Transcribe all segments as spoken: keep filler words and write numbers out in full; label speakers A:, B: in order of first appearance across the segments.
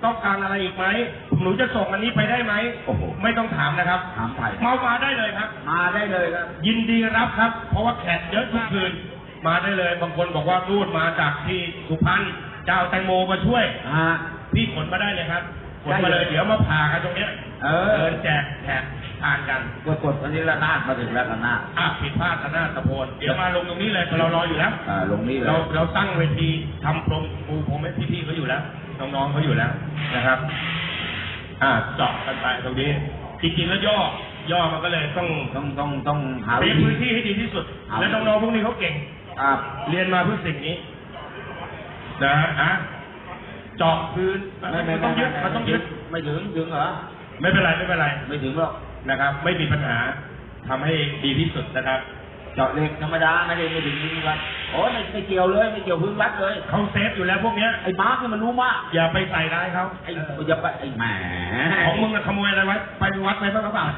A: ต้องการอะไรอีกไหมหนูจะส่งอันนี้ไปได้ไหมโอ้โหไม่ต้องถามนะครับ
B: ถามไถ่
A: เมามาได้เลยครับ
B: มาได้เลยครับ
A: ยินดีรับครับเพราะว่าแขกเยอะทุกคืนมาได้เลยบางคนบอกว่ารูดมาจากที่สุพรรณเจ้าแตงโมมาช่วยพี่ขนมาได้เลยครับขนมาเลยเดี๋ยวมาผ่ากันตรงเนี้ยเออเดินแจกแขกทานกัน
B: กดกดอันนี้ละนาดมาถึงแล้วละนาด
A: อ่ะผิดพลาดละนาดตะโพนเดี๋ยวมาลงตรงนี้เลยเรารออยู่แล้ว
B: อ่าลงนี่เลย
A: เราเราตั้งเวทีทำพรมปูพรมให้พี่ๆเขาอยู่แล้วน้องๆเขาอยู่แล้วนะครับอ่าเจาะกันไปตรงนี้จริงๆแล้วย่อย่อมันก็เลยต้อง
B: ต้องต้องต้องหา
A: พื้นที่ให้ดีที่สุดและน้องๆพวกนี้เขาเก่ง
B: ครับ
A: เรียนมาเพื่อสิ่งนี้นะฮะเจาะพื้น
B: ไม่ไม่
A: ต้องยึดมันต้องยึด
B: ไม่ถึงถึงเหรอ
A: ไม่เป็นไรไม่เป็นไร
B: ไม่ถึงหรอก
A: นะครับไม่มีปัญหาทำให้ดีที่สุดนะครับ
B: เจาะเหล็กธรรมดาไม่ได้ไม่ถึงพื้นวัดโอ้ไม่ไม่เกี่ยวเลยไม่เกี่ยวพื้นวัดเลย
A: เขาเซฟอยู่แล้วพวกเนี้ย
B: ไอ้มาร์คนี่มันรู้มาก
A: อย่าไปใส่ร้ายเขา
B: ไอ้อย่าไปไอ้แหม
A: ของมึงขโมยอะไรไว้ไปวัดไปบ้างหรือเปล่า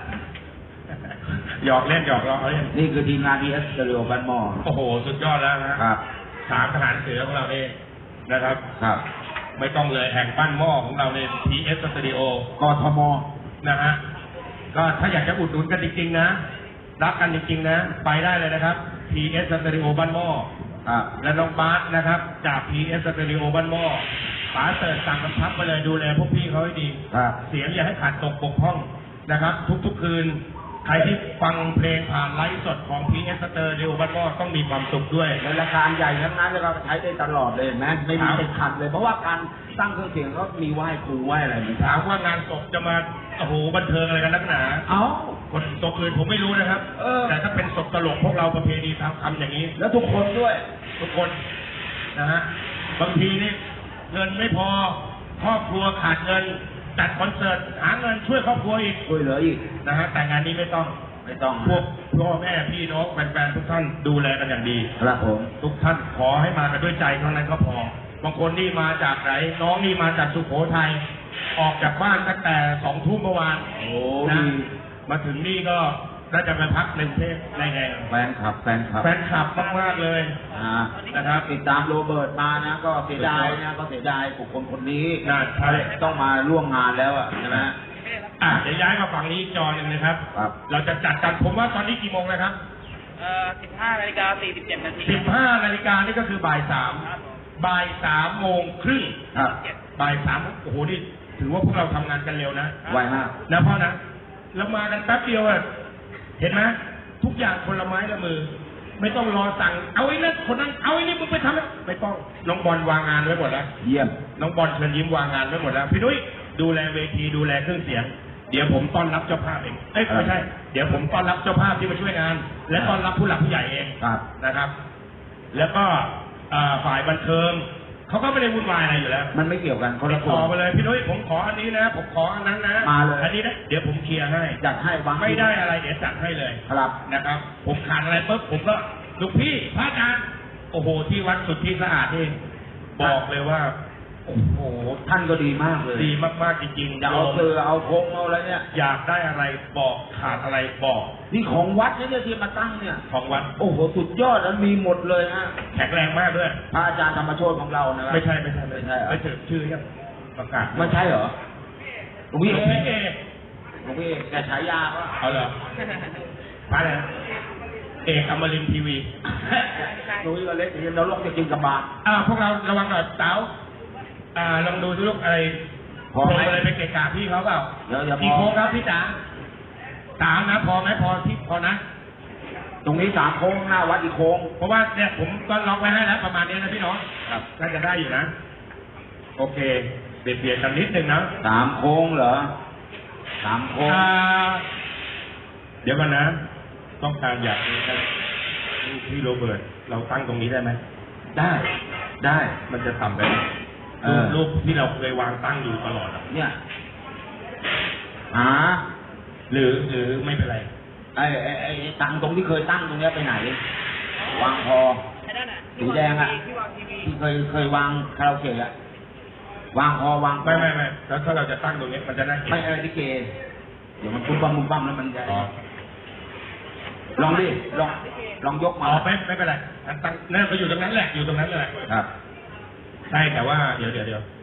A: หยอกเล่นหยอกล้อเล่น
B: นี่คือทีมงานทีเอสสตูดิโอบ้านหม้อ
A: โอ้โหสุดยอดแล้วนะครับสามทหารเสือของเราเองนะครับ
B: ครับ
A: ไม่ต้องเลยแห่งบ้านหม้อของเราในทีเอสสตูดิโอก
B: ทม
A: นะฮะก็ถ้าอยากจะอุดหนุนกันจริงๆนะรักกันจริงๆนะไปได้เลยนะครับ พี เอส Stereo บ้านหม้อและน้องบาสนะครับจาก พี เอส Stereo บ้านหม้อป๋าเสิร์ฟสั่งกำชับไปเลยดูแลพวกพี่เขาให้ดีเสียงอย่าให้ขาดตกบกพร่องนะครับทุกๆคืนใครที่ฟังเพลงผ่านไลฟ์สดของ พี เอส Stereo บ้านหม้อต้องมีความสุขด้วย
B: ในราคาใหญ่ทั้งนั้นแล้วก็ใช้ได้ตลอดเลยนะไม่มีติดขัดเลยเพราะว่าการตั้งเครื่องเสียงก็มีไหว้ครูไหว้อะไร
A: ถามว่างานศพจะมาโอ้โหบันเทิงอะไรกันนักหนา
B: เอ้า
A: คนศพอื่นผมไม่รู้นะครับแต่ถ้าเป็นศพตลกพวกเราประเพณีทำทำอย่างนี้
B: แล้วทุกคนด้วย
A: ทุกคนนะฮะบางทีนี่เงินไม่พอครอบครัวขาดเงินจัดคอนเสิร์ตหาเงินช่วยครอบครัวอีก
B: ช่วยเหลืออีก
A: นะฮะแต่งานนี้ไม่ต้อง
B: ไม่ต้อง
A: พวกพ่อแม่พี่น้องแฟนๆทุกท่านดูแลกันอย่างดี
B: ครับผม
A: ทุกท่านขอให้มากันด้วยใจเท่านั้นก็พอบางคนนี่มาจากไหนน้องนี่มาจากสุโขทัยออกจากบ้านตั้งแต่สองทุ่มเมื่อวาน
B: โอ้
A: นะมาถึงนี่ก็น่าจะไปพักในกรุงเทพในไง
B: แฟนคลับแฟนคลับ
A: แฟนคลับมากๆเลย
B: นะครับติดตามโรเบิร์ตมานะก็เสียดายนะก็เสียดายบุคคลคนนี้
A: น่าใช่
B: ต้องมาร่วมงานแล้วอ่ะใช่ไหม
A: อ่ะเดี๋ยวย้ายมาฝั่งนี้จอหนึ่งนะครับเราจะจัดกันผมว่าตอนนี้กี่โมงนะครับ
C: เอ่อสิบห้านาฬิกาสี่สิบเจ็ดนาที
A: สิบห้านาฬิกานี่ก็คือบ่ายสามบ่ายสามโมงครึ่งบ่ายสามโอ้โหนี่ถือว่าพวกเราทำงานกันเร็วนะ
B: ไวมาก
A: นะพ่อนะเรามากันแป๊บเดียวอ่ะเห็นไหมทุกอย่างคนละไม้ละมือไม่ต้องรอสั่งเอาไอ้นั่นคนนั้นเอาไอ้นี่มึงไปทำไม่ต้องน้องบอลวางงานไว้หมดแล้ว
B: เยี่ยม
A: น้องบอลเชิญยิ้มวางงานไว้หมดแล้วพี่นุ้ยดูแลเวทีดูแลเครื่องเสียงเดี๋ยวผมต้อนรับเจ้าภาพเองเอ้ยไม่ใช่เดี๋ยวผมต้อนรับเจ้าภาพที่มาช่วยงานและต้อนรับผู้หลักผู้ใหญ่เองนะครับแล้วก็ฝ่ายบันเทิงเขาก็ไม่ได้วุ่นวายอะไรอยู่แล้ว
B: มันไม่เกี่ยวกันคนละ
A: ขอไปเลยพี่นุ้ยผมขออันนี้นะผมขออันนั้นนะ
B: มาเลย
A: อันนี้นะเดี๋ยวผมเคลียร์ให้
B: จัดให้บาง
A: ไม่ได้อะไรเดี๋ยวจัดให้เลย
B: ครับ
A: นะครับผมขาดอะไรปุ๊บผมก็ลูกพี่พระอาจารย์โอ้โหที่วัดสุดที่สะอาดเองบอกเลยว่าโอ้โห
B: ท่านก็ดีมากเลย
A: ดีมากๆจริงๆ
B: อยากเอาเสือเอาโคงเอาอะไรเนี่ย
A: อยากได้อะไรบอกขาดอะไรบอก
B: นี่ของวัดนี่ที่มาตั้งเนี่ย
A: ของวัด
B: โอ้โหสุดยอดแล้วมีหมดเลยฮะ
A: แข็งแรงมากด้วย
B: พระอาจารย์ธรรมโชติของเรานะครับ
A: ไม่ใช่ไม่ใช่ไม่ใช่ไม่ถึงชื่อยังประกาศ
B: ไม่ใช่เหรอหลวงพี่เอหลวงพี่แกฉายาว่า
A: เอาเหรอพระอะไรเอกอมรินทร์ทีวี
B: หลวงพี่ก็เล็กเรียนเราลงจะกินกับบาตร
A: อ่าพวกเราระวังหน่อยเต๋าอ่าลองดูสิลูกอะไรพออะไรไปเกะกะพี่เขาเปล่ากี่โค้งครับพี่จ๋าสามนะพอไหมพอที่พอนะ
B: ตรงนี้สามโค้งหน้าวัดอีกโค้ง
A: เพราะว่าเนี่ยผมก็ล็อกไว้ให้แล้วประมาณนี้นะพี่น้องครับน่าจะได้อยู่นะโอเคเปลี่ยนเปลี่ยนกันนิดนึงนะ
B: สามโค้งเหรอสามโค้ง
A: เดี๋ยวก่อนนะต้องการอยากนี้นะพี่โรเบิร์ตเราตั้งตรงนี้ได้ไหม
B: ได้ได้
A: มันจะทำไปรูปที่เราเคยวางตั้งอยู่ตลอด
B: เนี่ยหา
A: หรือหรือไม่เป็นไร
B: ไอ้ไอ้ไอ้ตั้งตรงที่เคยตั้งตรงนี้ไปไหนวางพอสีแดงอ่ะที่เคยเคยวางคาราโอเกะอ่ะวางพอวาง
A: ไม่ไม่ไม่แล้วถ้าเราจะตั้งตรงนี้มันจะน่าเกลียด
B: ไม่เออที่เกเดี๋ยวมันปุ้มปั้มปุ้มปั้มแล้วมันจะลองดิลองลองยกมา
A: อ๋อไม่ไม่เป็นไรตั้งนั่นไปอยู่ตรงนั้นแหละอยู่ตรงนั้นเลย
B: ครับ
A: ใช่แต่ว่าเดี๋ยวเดี๋ยวเดี๋ยว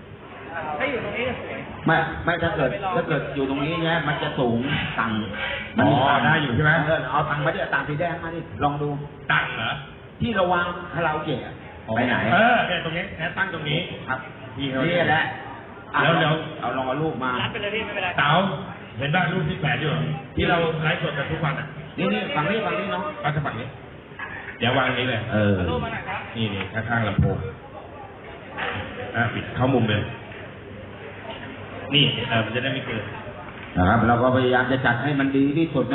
C: ถ้าอยู่ตรงนี้จะสวย
B: ไม่ไม่ถ้าเกิดถ้าเกิดอยู่ตรงนี้เนี่ยมันจะสูงต่างมันมี
A: อ๋อ
B: ต่าง
A: ได้อยู่ใช่ไหม
B: เออเอาตังค์มาดิเอาตังค์สีแดงมาดิลองดู
A: ตั้งเหรอ
B: ที่เราวางคาราโอเกะอะไปไหน
A: เออเนี่ยตรงนี้แค่ตั้งตรงนี้
B: ครับ
A: พี่เขา
B: นี่แหละอ่ะ
A: แล้วแล้ว
B: เอาลองเอารูปมา
C: รัดไปเลยพี่ไม่เป็นไร
A: เต๋าเห็นบ้านรูปที่แปดอยู่เหรอที่เราไลฟ์สดกันทุกวันอ่ะ
B: นี่นี่ฝั่งนี้ฝั่งนี้เนาะ
A: ก็จะฝั่งนี้ เดี๋ยววางนี้เลย
B: เออ
C: เอารูปมาหน่อยครับ
A: นี่นี่ข้างๆลำโพงอ่ะปิดเข้ามุมเลย นี่เออมันจะได้ไม่เกิน
B: นะครับเราก็พยายามจะจัดให้มันดีที่สุด